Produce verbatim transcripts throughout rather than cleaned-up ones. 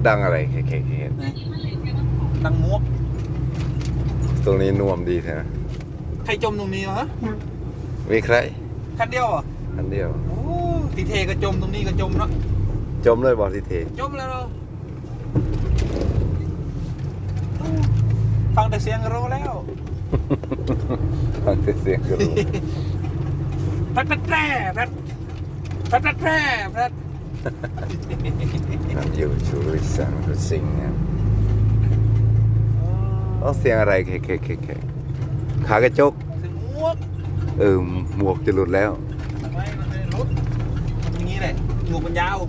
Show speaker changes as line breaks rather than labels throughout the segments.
ดังอะไรแค่แค่
ดังมวก
ตรงนี้น่วมดีแท้
ใครจมตรงนี้วะ
มีใคร
คันเดียวอ่ะ
คันเดียว
โอ้ทีเทก็จมตรงนี้ก็จมเนาะ
จมเลยบอกทีเท
จมแล้วเราฟังแต่เสียงก็รู้แล้ว
ฟังแต่เสียงก็รู้
พัดพัดแพร่พัดพัดพัดแพร่พัด
อยู่ชูริสังรุสิงห์เนี่ยเอาเสียงอะไรแค่แค่แค่แค่ขากระจก
เสียงมวก
เออหมวกจะหลุดแล้ว
ไม่มันไม่หลุดอย่างนี้แหละหมวกมันยาว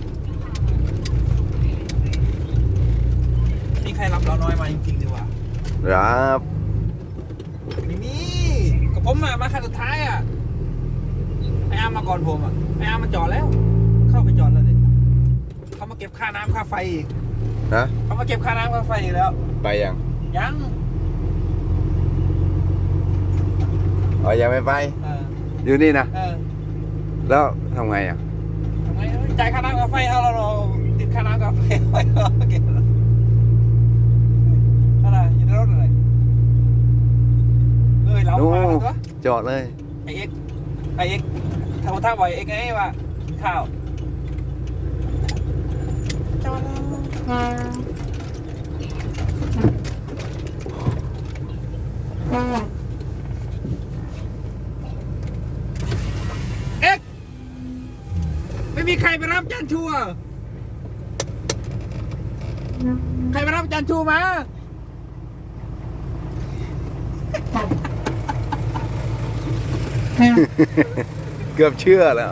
มีใครรับเราน้อยมาจริงๆดีกว่า
รับ
ไม่มีกับผมมามาคันสุดท้ายอ่ะไอ้อาร์มมาก่อนผมอ่ะไอ้อาร์มมาจอดแล้วเข้าไปจอดแล้วเด็กเขามาเก็บค่าน้ำค่าไฟอีก
นะ
เขามาเก็บค่าน้ำค่าไฟอีกแล้ว
ไปยัง
ยัง
อ๋อยังไม่ไปอยู่นี่นะแล้วทำไงอ่ะ
ทำไงจ่ายค่าน้ำค่าไฟเอาเราติดค่าน้ำค่าไฟไว้เราเก็บอะไรอยู่ในรถอะไรเอ้ยเรามาแล้วตัว
จอดเลย
ไอเอ็กไอเอ็กทำท่าบ่อยเอ็กไงวะข้าวจอดเอ็กไม่มีใครไปรับจานชูอ่ะใครไปรับจานชูมา
เกือบเชื่อแล้ว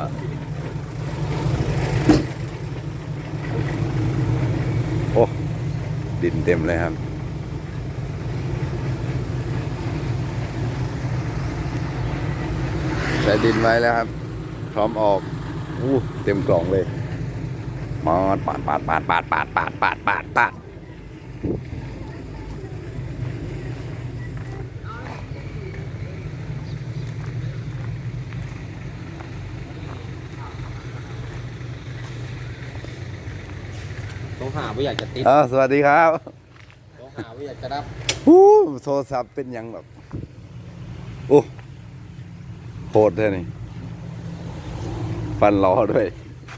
โอ้ดินเต็มเลยครับใส่ดินไว้แล้วครับพร้อมออกอู้เต็มกล่องเลยมาปาดปาดปาดปาดปาดปาดปาดปาดปาด
ต้องหาว่าอยากจะติด
อ่าสวัสดีครับ
ต้องหาว่าอยากจะรับ
อู้โทรศัพท์เป็นยังแบบโอ้โหดแท้นี่ฟันล้อด้วย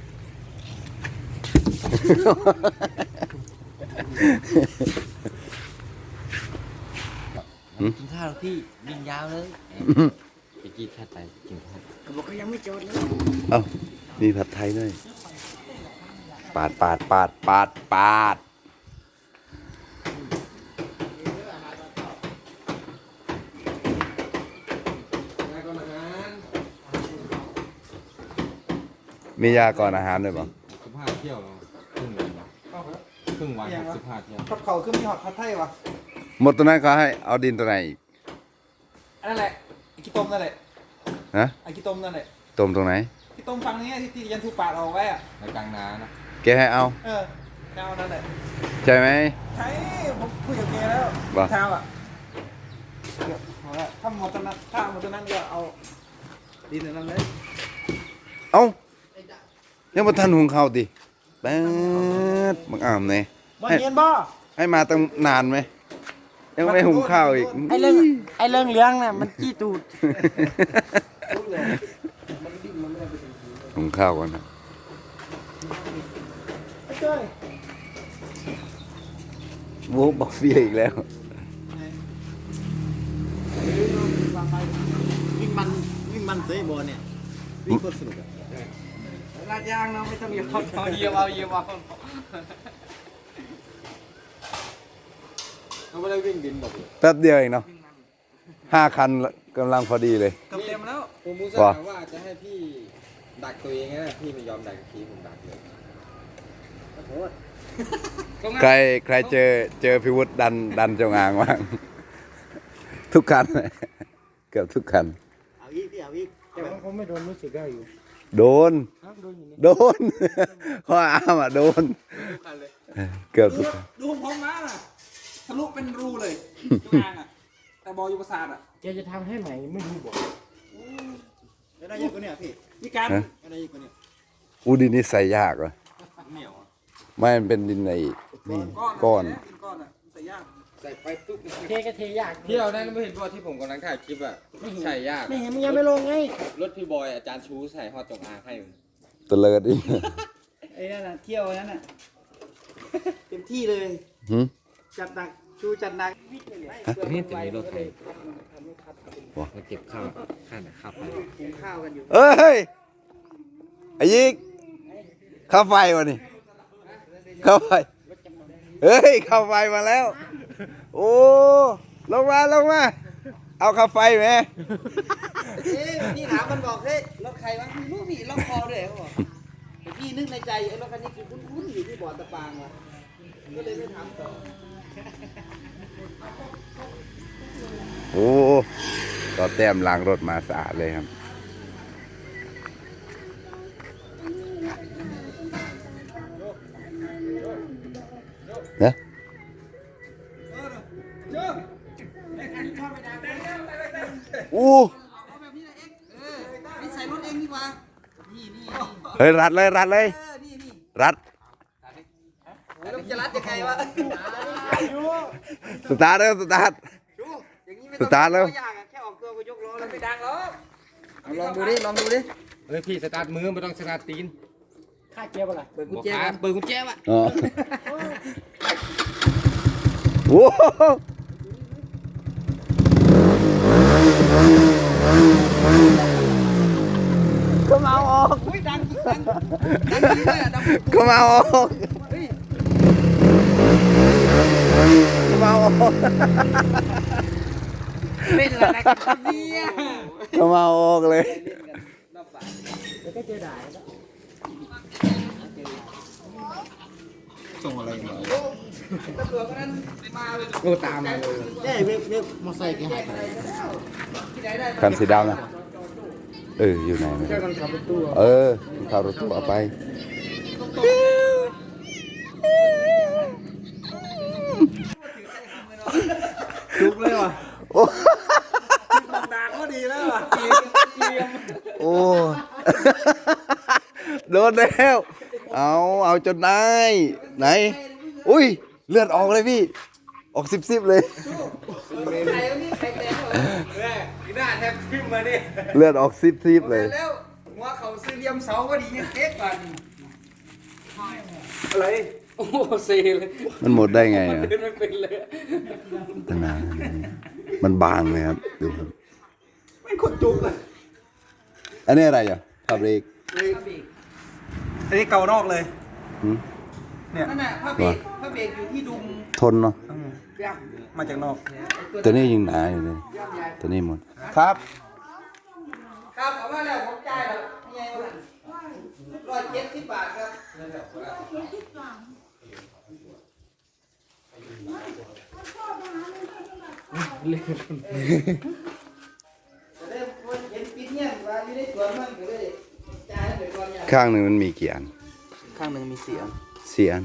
กินข้าวพี่ยิงยาวเลยไปกินข้าวไปกินข้าวก็บอกก็ยังไม่จดเลย
เอ้ามีผัดไทยด้วยปาดปาดปาดปาดปาดมียาก่อนอาหารด้วยป่ะ
สิบห้าเที่ยวครึ่งวันครึ่งวันสิบห้าเที่ยว
ผัดเขาขึ้นมีหอดผัดไทยวะ
หมดตัวนั้นเขาให้เอาดินตัวไหนอีก
นั่นแหละไอ้ขี้ต้มนั่นแหละ
ฮะ
ไอ้ขี้ต้มนั่นแหละ
ต้มตรงไหน
ขี้ต้มฟังนี้ที่ยันทูปาดเอาไว้อะ
ในกลางนานะ
แกให้เอา
เออเอานั่นแหละ
ใช่ไหม
ใช่ผมคุยกับแกแล้วเท้าอ่ะเดี๋ยวเอาละถ้าหมดตัวนั้นถ้าหมดตัวนั้นก็เอาดินนั่นเลย
เอ้ายังมาทันหุงข้าวดิแป๊ดบังอ่ามเนี่ย
มาเย็นบ่
ให้มาตั้งนานไหมยังไม่หุงข้าวอีก
ไอเรื่องไอเรื่องเลี้ยงเนี่ยมันจี้ตูด
หุงข้าวก่อนนะโว้บอกเฟียอีกแล้ว
วิ่งมันวิ่งมันเซย์บอลเนี่ยวิ่งโคตรสนุกอะลาดยางเนาะไม่ต้องเหยียบเอาเหยียบเอาเหยียบเอา
เขาไม่ได้วิ่งดินหรอก
แป๊บเดียวเองเนาะห้าคันกำลังพอดีเลย
เต็มแล้ว
ผมมูซ่าว่าจะให้พี่ดักตัวเองนะพี่ไม่ยอมดักทีผมดักเลยขอโทษ
ใครใครเจอเจอพิวุฒิดันดันจงอางบ้างทุกคันเกือบทุกคัน
เอาอีกพี่เอาอีกแต่ว่าเขาไม่โดนรู้สึกได้อยู่
โดนโดนข้ออ้ามอ่ะโดนเกือบทุกคัน
ดูผมมาน่ะทะลุเป็นรูเลยจงอางอ่ะแต่บอลอยู่ประสาทอ่ะ
แกจะทำให้ใหม่ไม่รู้บอก
ได้เยอะกว่านี้พี่พี่การได้เยอะกว่านี้
อูดินนี่ใส่ยากเหรอ
เหนียว
ไม่มันเป็นดินในนี่
ก้
ก้
อ
อน น
กินก้อนอ่ะใส่ย่าง
ใส่ไปปุ๊บ
เทก็เทยาก
ที่เราได้ไม่เห็นว่าที่ผมกำลังถ่ายคลิปอ่ะใส่ยาก
ไม่เห็นมึงยังไม่ลงไง
รถพี่บอยอาจารย์ชูใส่ฮอตจงอางให้
ตะเลิดอีก
ไอ้นั่นน่ะเที่ยวนั่นน่ะเต็มที่เลย
หึ
จัดหนักชูจัดหนัก
นี่ตัวนี้รถไทยมาเก็บข้าวข้าวข้าวไป
หุงข้าวกันอยู่
เอ้ยไอ้ยิกข้าไฟวะนี่ข้าไฟเฮ้ยข้าไฟมาแล้ว โอ้ลงมาลงมาเอาข้าไฟไหม
เอ๊ะพี่ถามมันบอกเฮ้ยรถใครวะไม่รู้พี่ล็อกคอด้วยเขาบอกแต่พี่นึกในใจไอ้รถคันนี้คือคุ้นๆอยู่ที่บ่อตะปางว่ะก็เลยไม่ถามต่อ
โอ้ต่อแต้มล้างรถมาสะอาดเลยครับเนี่ย อู้
เอาแบบนี้นะเอ็กเออไปใส่รถเองดีกว่านี่นี่
เฮ้ยรัดเลยรัดเลย
เออนี่นี่
รัด
แล้วมันจะรัดยังไงวะ
สตาร์ทเร็วสตาร์ท
ดูอย่างนี้ไม่
สตาร์ทแล้ว
ยากอะแค่ออกตัวก็ยกล้อแล้วไม่ดังหรอก
ลองดูดิลองดูดิเฮ้ยพี่สตาร์ทมือไม่ต้องสตาร์ทตีน
ค่าเกียร์ป่ะล่ะเปิดกุญแจ
เปิดกุญแจวะ
อ๋อโอ้โห
ก็มาออกอุ้ยดังจริงดังดังจริงเลยอะดัง
ก็มาออกก็มาออก
เล่นอะไรกันครับเนี่ย
ก็มาออกเลย
เดี๋ยวก็เจอด่าแล้ว
ส่งอะไรมา
ตำรวจคนนั้นมาเลย
โอ้ตามมาเลย
ใช่เว็บเว็บมอไซค์แกหายไปที่ไหนได้
คันสีดำนะเอออยู่ไหนไม่
เจ้า
รู้
กันขับรถตู้
เออขับรถตู้เอาไป
จุกเลยว่ะ
โอ้
ด่าก็ดีแล้วว่ะ
โอ้ โดนแล้วเอาเอาจนได้ไหนอุ้ยเลือดออกเลยพี่ ออกสิบสิบเลย
ใครวะนี่ใครแดงเหรอ
แม่กีหน้าแทบทิ่มมาดิ
เลือดออกสิบสิบเลย
แล้วหัวเขาซื้อเลี่ยมเสาก็ดียังเก๊กกว่านี่
อะไรโอ้เซเลย
มันหมดได้ไงอะ
เดินไม่เป็นเลย
ตนานมันบางเลยครับดูครับ
ไม่คนจุกเลย
อันนี้อะไรอ่ะพาเบรก
อันนี้เกานอกเลย
หืม
เนี่ย
นั่นน่ะพระเบรกพระเบรกอยู่ที่ดุม
ทนเนาะ
ย่
มาจากนอก
ตัวนี้ยิงหนาอยู่เลยตัวนี้หมดครับ
ำครับเอามาแล้วผมจ่ายแล้วยังไงวะร้อยเจ็ดสิบบาทครับจะได้คนเห็นปีเนี่ยว่าอยู่ในสวนมันก็เลยจ่ายให้ไปก่อนอย่าง
ข้างหนึ่งมันมีกี่อัน
ข้างหนึ่งมีเสียง
สี่อัน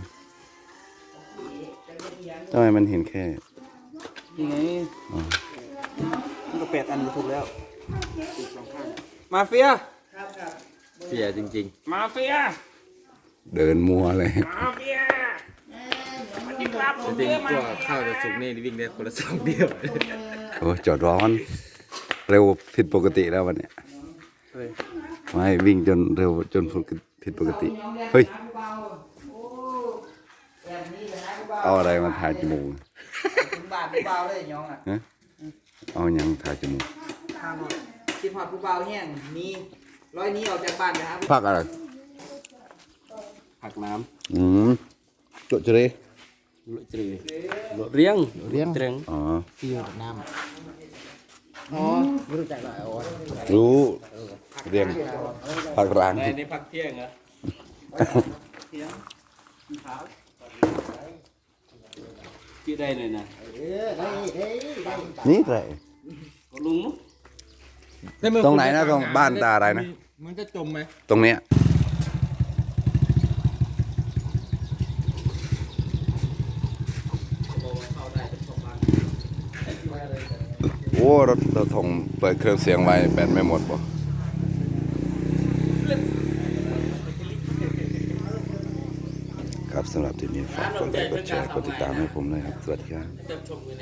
ทำไมมันเห็นแค่
ยังไง
อ๋อ
มันก็แปดอันก็ถูกแล้วมาเฟีย
ครับครับ
เสียจริง
มาเฟีย
เดินมัวเลย
มาเฟียมาจิ้มลาบผ
ๆ
ม
จริง
เยอะ
ๆ
มา
ก็
ก
ข้าวจะสุกนี่วิ่งได้คนละสองเดียว
โอ้จอดร้อน เร็วผิดปกติแล้ววันเนี้ยไม่วิ่งจนเร็วจนผิดปกติ เฮ้ย
แบบนี้เลยนะผู้บ่าว
เอาอะไรมาถ่ายจมูก
ถึงบาทผู้บ่าวเลยยองอ่ะ
ฮะเอาหยังถ่ายจมูก
ข้างนอกคิดหอดผู้บ่าวแห้งนี่ร้อยนี้ออกจากบ้านนะครับ
พักอะไร
ผักน้
อืมจุดจะได้
ำจืดเรียงเรียงเรียง
อ๋อ
ที่อยู่กับน้ำอ๋อไม่รู้จักหรออ๋อ
รู้เรียงผักร้าง
ในในผักเที่ยงเหรอกี่ได้เลยนะ
เออได้ได้ได้
นี่ไร
ก็ลุงเนาะ
ตรงไหนนะตรงบ้านตาอะไรนะ
มันจะจมไหม
ตรงเนี้ยโอ้รถรถถงเปิดเครื่องเสียงไว้แบตไม่หมดบ่ครับสำหรับทีนี้ฝากกดไลค์กดแชร์กดติดตามให้ผมเลยครับ สวัสดีครับ
เติมชม